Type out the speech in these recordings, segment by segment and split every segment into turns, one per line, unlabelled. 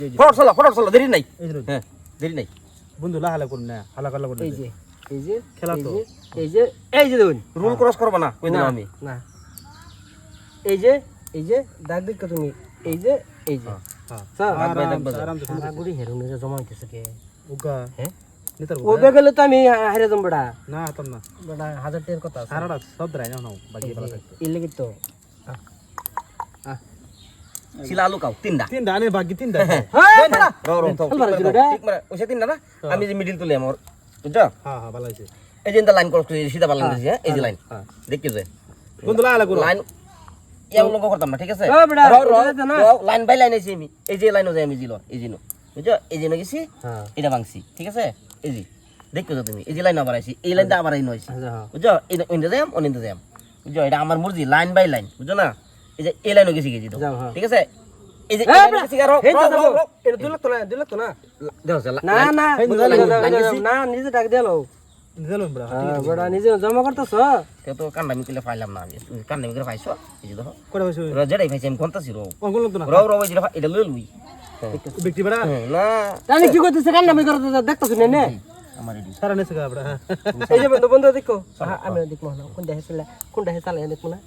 photo চলো দেরি নাই হ্যাঁ দেরি নাই
বন্ধু হালা করুন না হালা করলা করুন
এই যে
খেলা তো
এই যে দেখুন
রুল ক্রস করবা না কই দিলাম আমি
না এই যে দাগ দেখো তুমি এই যে স্যার সারা গুড়ি হেরুনে জমা হইতেছে কে
উগা
হ্যাঁ
নিতার
ও বেগলে তো আমি হারে জম বড়া
না হাতম না
বড়া 1000 টাকার কথা আছে
সারাটা সব দ্রাই না বাকি বলা থাকতো
এই লাগি তো
শিলা আলু কাও তিনটা
তিনটা আনে বাকি তিনটা
হ্যাঁ বড়া
ঠিক মানে ওই তিনটা না আমি যে মিডিল তুলে আমার বুঝছো
হ্যাঁ হ্যাঁ ভালো আছে
এই যে লাইন ক্রস করে সিধা বালান দিছি হ্যাঁ এই যে লাইন দেখি যে
বন্ধু হালা করুন
লাইন ইয়া লোক করতাম না ঠিক আছে
ও বড়া
লাইন বাই লাইন আইছি আমি এই যে লাইনও যাই আমি জিলো এই জিনো বুঝছো এই জিনো গেছি
হ্যাঁ
এটা ভাঙছি ঠিক আছে এই যে দেখো তো তুমি এই যে লাইন আবার আইছি এই লাইনটা আবার আইন হইছে বুঝছো এই ইন্দা যাম অনিন্দা যাম বুঝছো এটা আমার মর্জি লাইন বাই লাইন বুঝছো না এই যে এই লাইনও গেছি গেছি তো ঠিক আছে এই যে গেছি আর
এটা 2 লাখ তো না
দেখো
না না নিজে ডাক দেলো
দিলাম বড়
বড়া নিজে জমা করতেছ
তে তো কান্নামি কইলে পাইলাম না আমি কান্নামি করে পাইছো এই যে দেখো
করে বসে
রজেড়াই পাইছি আমি কোনটা ছিল
অঙ্গল তো না
এটা লই লুই
ব্যক্তি বড়
না
আমি কি করতেছ কান নামি করতে দেখতেছ না
আমার এডি
সারা নেছে বড়
এই যে বন্ধু দেখো আমি দেখো না কোনটা হেসালে দেখো না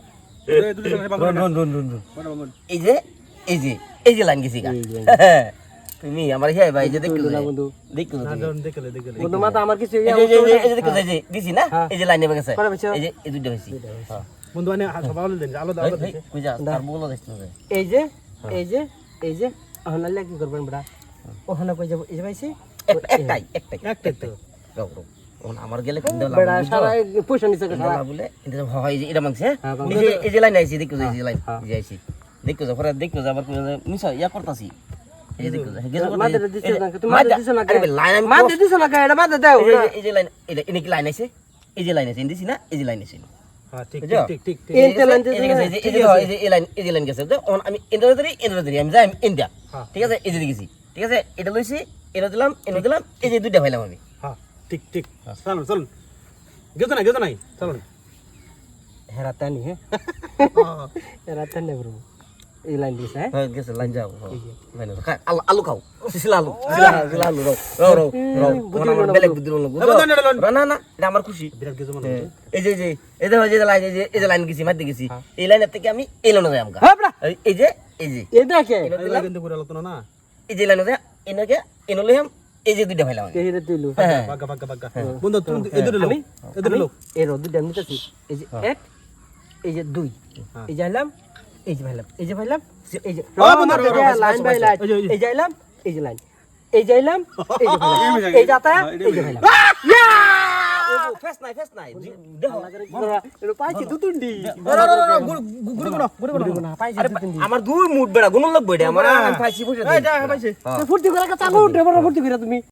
এই যে লাইন গেছি গা তুমি আমার হে ভাই যে দেখো
বন্ধু
দেখো
না দেখলে
বন্ধু মাথা আমার কিছু
এই যে দেখো এই যে দিছি না এই যে লাইনে গেছে এই যে এই দুইটা হইছি হ্যাঁ
বন্ধু আনে সবাই দেন আলো দাও
কই যা আর বলো দেখছো
এই যে হনালে কি করবেন বড়া ওখানে কই যাব এই যে ভাইছি
একটাই তো গাও আমার গেলে কিনতে
বড়া সারা পয়সা নিছে সারা
বলে এটা হয় যে এটা মাংস এই যে লাইন আইছি দেখো এই যে লাইন যে আইছি দেখো যা পরে দেখো যা আবার মিছা ইয়া করতাছি এই যে দেখো
মাদে দিছ না তুমি মাদে দিছ না
আরে লাইন
মাদে দিছ না এটা মাদে দাও
এই যে লাইন এটা ইনি কি লাইন আইছে এই যে লাইন আইছে দিছি না এই যে লাইন আইছে
হ্যাঁ ঠিক
এই যে লাইন
এই যে লাইন গেছে আমি ইন্দ্র ধরি আমি যাই ইন্ডিয়া ঠিক আছে এই যে গেছি ঠিক আছে এটা লইছি এটা দিলাম এই যে দুইটা পাইলাম আমি
হ্যাঁ ঠিক চলুন গেছো নাই চলুন
হেরাতানি হেরাতানি ব্রো এই লাইন দিছ
হ্যাঁ গেছে লাইন যাও লাইন আলু খাও শিলা আলু রো আমার বেলেগ বুদ্ধি না এটা আমার খুশি
বিরাট গেছো মনে
এই যে এই লাইন গেছি মার গেছি এই লাইনের থেকে আমি এই লাইনে যাই আমগা এই যে
এই দেখে
কিন্তু করে আলোচনা না
এই যে লাইনে যাই এনলে এই যে দুইটা ভাইলাম
এই রে তুইলু
বাগা বন্ধু তুমি এদের লোক
এই রো দুইটা নিতেছি এই যে এক এই যে দুই এই যাইলাম এই যে ভাইলাম এই যে লাইন বাই লাইন এই যাইলাম এই যে লাইন এই যাইলাম এই যাতা এই যে ভাইলাম
ফেস নাই দেখো
এটা পাইছি দুতুন্ডি
গুড়
পাইছি দুতুন্ডি
আমার দুই মুড বেড়া গুণ লাগবে এটা আমার পাইছি বুঝে
ফুর্তি করে চাকু উঠে বড় ফুর্তি করে তুমি